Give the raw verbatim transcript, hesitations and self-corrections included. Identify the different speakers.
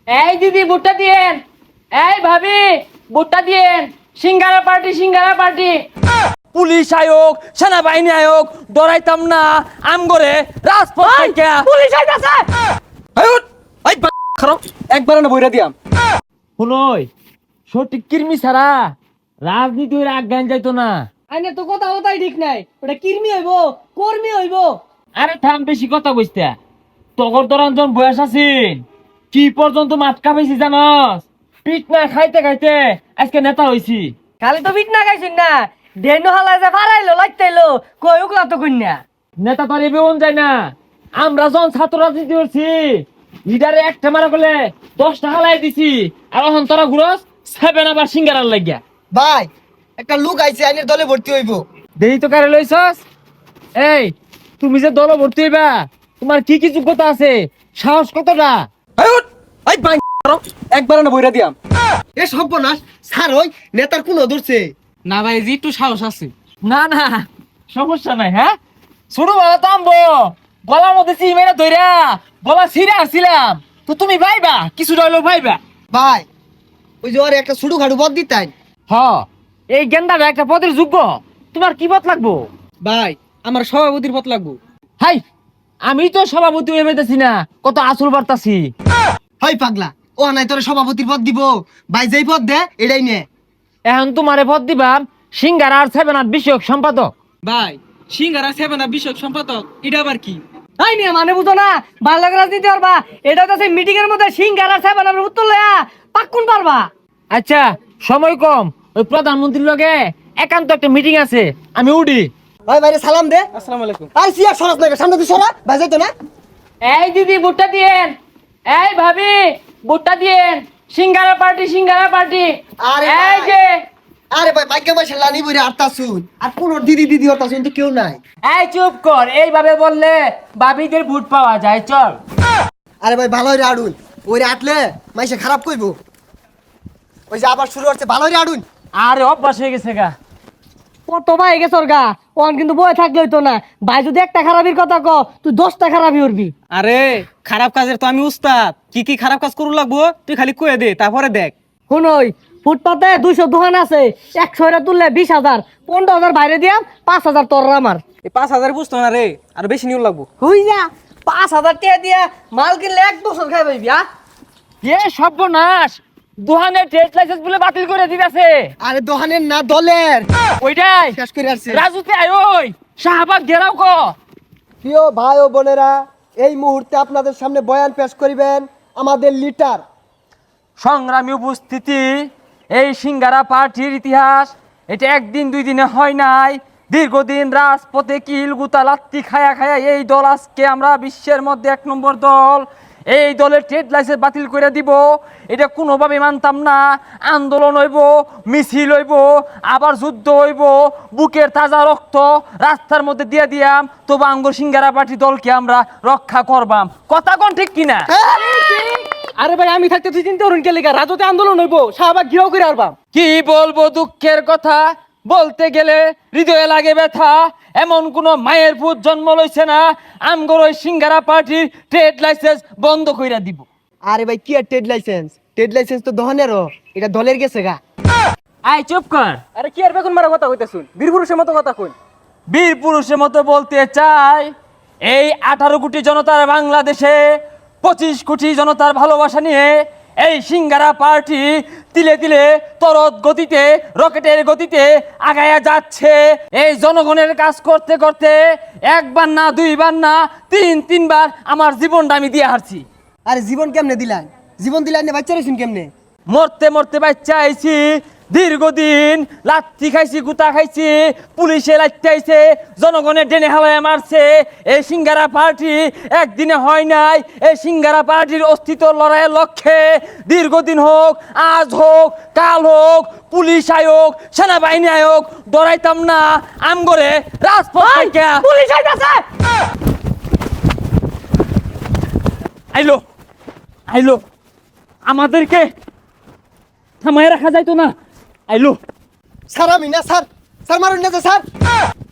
Speaker 1: এই দিদি ভুট্টা দিয়েন, এই ভাবি ভুট্টা দিয়েন, singara party singara party. Police আয়োগ সেনাবাহিনী আয়োগ ডরাইতাম না আম করে রাজপথ থেকে পুলিশ আইতাছে।
Speaker 2: একবার না বইরা দিয়াম।
Speaker 1: শুনই সঠিক কির্মি ছাড়া রাজনীতি হইলে আজ্ঞান যাইতো না।
Speaker 3: আইনে তো কথা কথাই ঠিক নাই, ওটা কির্মি হইব কর্মী হইব।
Speaker 1: আরে থাম বেশি কথা কইস্তা, তগর দরঞ্জন বয়স আছিন কি পর্যন্ত মাতকা পেয়েছি জানস? পিট না খাইতে খাইতে আজকে নেতা হইছি।
Speaker 3: খালি তো বিট না গাইছিন না, ডেনু হালা যে ফারাইলো লাইতাইলো কই উকলা তো কইনা।
Speaker 1: নেতা তো এবেউন যায় না। আমরা যখন ছাত্র রাজনীতি করছি লিডারে একটা মারা করলে দশ টাকা লাই দিছি, আর এখন তোরা ঘুরস সেভেন আবার সিঙ্গারার লাগিয়া।
Speaker 2: ভাই একটা লোক আইছে আইনের দলে ভর্তি হইব।
Speaker 1: দেই তো কারে লইছস? এই তুমি যে দল ভর্তি হইবা তোমার কি কি যোগ্যতা আছে, সাহস কতটা?
Speaker 2: একবার না বইরা দিয়াম। এ সর্বনাশ স্যার ওই নেতার কোন ধরছে
Speaker 3: না ভাই জি একটু সাহস আছে।
Speaker 1: না না সমস্যা নাই। হ্যাঁ ছোট বেলা তো আমবো গলার মধ্যে চিমেরা ধইরা গলা ছিঁড়ে আসছিলাম, তো তুমি ভাইবা কিছু রইলো ভাইবা।
Speaker 2: ভাই ওই যে ওর একটা ছুটু খাটু পদ দিতাই।
Speaker 1: হ এই গেন্দাটা একটা পদের যোগ্য, তোমার কি পথ লাগবো?
Speaker 3: ভাই আমার সভাপতির পথ লাগবো।
Speaker 1: হাই আমি তো সভাপতি হয়ে পেতেছি না, কত আসল বার্তাছি।
Speaker 2: হয় পাগলা ও নাই তোর সভাপতির পদ দিব। ভাই যেই পদ দে এটাই নে।
Speaker 1: এখন তোমারে পদ দিবাম সিঙ্গারা আর সেভেন আপ বিষয়ক সম্পাদক।
Speaker 3: ভাই সিঙ্গারা সেভেন আপ বিষয়ক সম্পাদক এটা আবার কি? তাই নিয়ে মানে বুঝো না, ভালো রাজনীতি পারবা এটা তো সেই মিটিং এর মধ্যে সিঙ্গারা সেভেন আপের উত্তর লয়া পাক্কুন পারবা।
Speaker 1: আচ্ছা সময় কম, ওই প্রধানমন্ত্রীর লগে একান্ত একটা মিটিং আছে, আমি উঠি।
Speaker 2: ভাই ভাইরে সালাম দে।
Speaker 3: আসসালামু আলাইকুম।
Speaker 2: আর সিয়া সরাস না সামনে তুই সরা ভাই যাইতো না।
Speaker 1: এই দিদি ভুট্টা দিয়েন, এই ভাবি ভুট্টা দিয়েন, সিঙ্গারা পার্টি সিঙ্গারা পার্টি।
Speaker 2: আরে
Speaker 1: এই
Speaker 2: ভাই।
Speaker 1: যে
Speaker 2: আরে ভাই ভাগ্য বসে লানি বইরে আটটা শুন আর কোন দিদি দিদি হতা শুন তো কেউ নাই।
Speaker 1: এই চুপ কর, এইভাবে বললে ভাবিদের ভোট পাওয়া যায়, চল।
Speaker 2: আরে ভাই ভালো হইরে আড়ুন ওইরে আটলে মাইসে খারাপ কইবো। ওই যে আবার শুরু হচ্ছে ভালো হইরে আড়ুন।
Speaker 1: আরে অভ্যাস হয়ে গেছে গা।
Speaker 3: কত ভাই গেছে ওর গা, ওন কিন্তু বয়ে থাকলে হইতো না। ভাই যদি একটা খারাপির কথা ক তুই দশটা খারাপই উঠবি।
Speaker 4: আরে খারাপ কাজের তো আমি উস্তাদ, কি কি খারাপ কাজ করু লাগবো তুই খালি কয়ে দে তারপরে দেখ।
Speaker 3: শুনই ফুটপাতে দুইশো দোকান আছে, একশো এরা তুললে বিশ হাজার, পনেরো হাজার বাইরে দিয়াম, পাঁচ হাজার তোর আমার।
Speaker 4: এই পাঁচ হাজার বুঝতো না রে, আর বেশি নিউ লাগবো।
Speaker 3: হই যা পাঁচ হাজার টাকা দিয়া মাল কিনলে এক বছর খাই পাইবি। আ
Speaker 1: এ সর্বনাশ, দোকানের ট্রেড লাইসেন্স বলে বাতিল করে দিতেছে।
Speaker 2: আরে দোকানের না দলের
Speaker 1: ওইটাই
Speaker 2: শেষ করে আসছে।
Speaker 1: রাজুতে আয়, ওই শাহবাগ ঘেরাও ক।
Speaker 2: প্রিয় ভাই ও বোনেরা, এই মুহূর্তে আপনাদের সামনে বয়ান পেশ করিবেন আমাদের লিডার।
Speaker 1: সংগ্রামী উপস্থিতি, এই সিঙ্গারা পার্টির ইতিহাস এটা একদিন দুই দিনে হয় নাই, দীর্ঘদিন রাজপথে কিল গুতা লাত্তি খায়া খায়া এই দল আজকে আমরা বিশ্বের মধ্যে এক নম্বর দল। এই দলের ট্রেড লাইসেন্স বাতিল করে দিব, এটা কোনোভাবে মানতাম না। আন্দোলন হইব, মিছিল হইব, আবার যুদ্ধ হইব, বুকের তাজা রক্ত রাস্তার মধ্যে দিয়ে দিয়াম, তবু আঙ্গুর সিঙ্গারা পার্টি দলকে আমরা রক্ষা করবাম। কথা কোন ঠিক কিনা?
Speaker 3: আরে ভাই আমি থাকতে তুই চিন্তা করুন কে লেখা রাজতে আন্দোলন হইব, শাহবাগ ঘিরাও করে আরবাম।
Speaker 1: কি বলবো দুঃখের কথা, বলতে গেলে হৃদয়ে লাগে ব্যথা। এমন কোন মায়ের পুত জন্ম লইছে না আমগর ওই সিঙ্গারা পার্টির ট্রেড লাইসেন্স বন্ধ কইরা দিব।
Speaker 2: আরে ভাই কি আর ট্রেড লাইসেন্স, ট্রেড লাইসেন্স তো দোকানেরও, এটা দলের গেছে গা।
Speaker 1: আই চুপ কর,
Speaker 4: আরে কি আর বেগুন মারা কথা কইতে শুন, বীর পুরুষের মতো কথা কই।
Speaker 1: বীর পুরুষের মতো বলতে চাই, এই আঠারো কোটি জনতার বাংলাদেশে পঁচিশ কোটি জনতার ভালোবাসা নিয়ে এই সিঙ্গারা পার্টি তিলে তিলে তরত গতিতে রকেটের গতিতে আগায়া যাচ্ছে। এই জনগণের কাজ করতে করতে একবার না দুইবার না তিন তিনবার আমার জীবনটা আমি দিয়ে হারছি।
Speaker 2: আরে জীবন কেমনে দিলেন, জীবন দিলেন না বাচ্চা রেছেন কেমনে?
Speaker 1: মরতে মরতে বাচ্চা আইছি, দীর্ঘদিন লাত্তি খাইছি, গুতা খাইছি, পুলিশে লাত্তি আইছে, জনগণের ডেনে হাওয়ায় মারছে। এই সিঙ্গারা পার্টি একদিনে হয় নাই, এই সিঙ্গারা পার্টির অস্তিত্ব লড়াইয়ের লক্ষ্যে দীর্ঘদিন হোক, আজ হোক, কাল হোক, পুলিশ আয়োগ সেনাবাহিনী আয়োগ ডরাইতাম না আমগরে রাজপথ থেকে।
Speaker 3: পুলিশ আইতাছে।
Speaker 1: আইলো আইলো, আমাদেরকে থামায় রাখা যাইতো না। আইলো
Speaker 2: স্যার আমি না স্যার, স্যার মারুন না স্যার।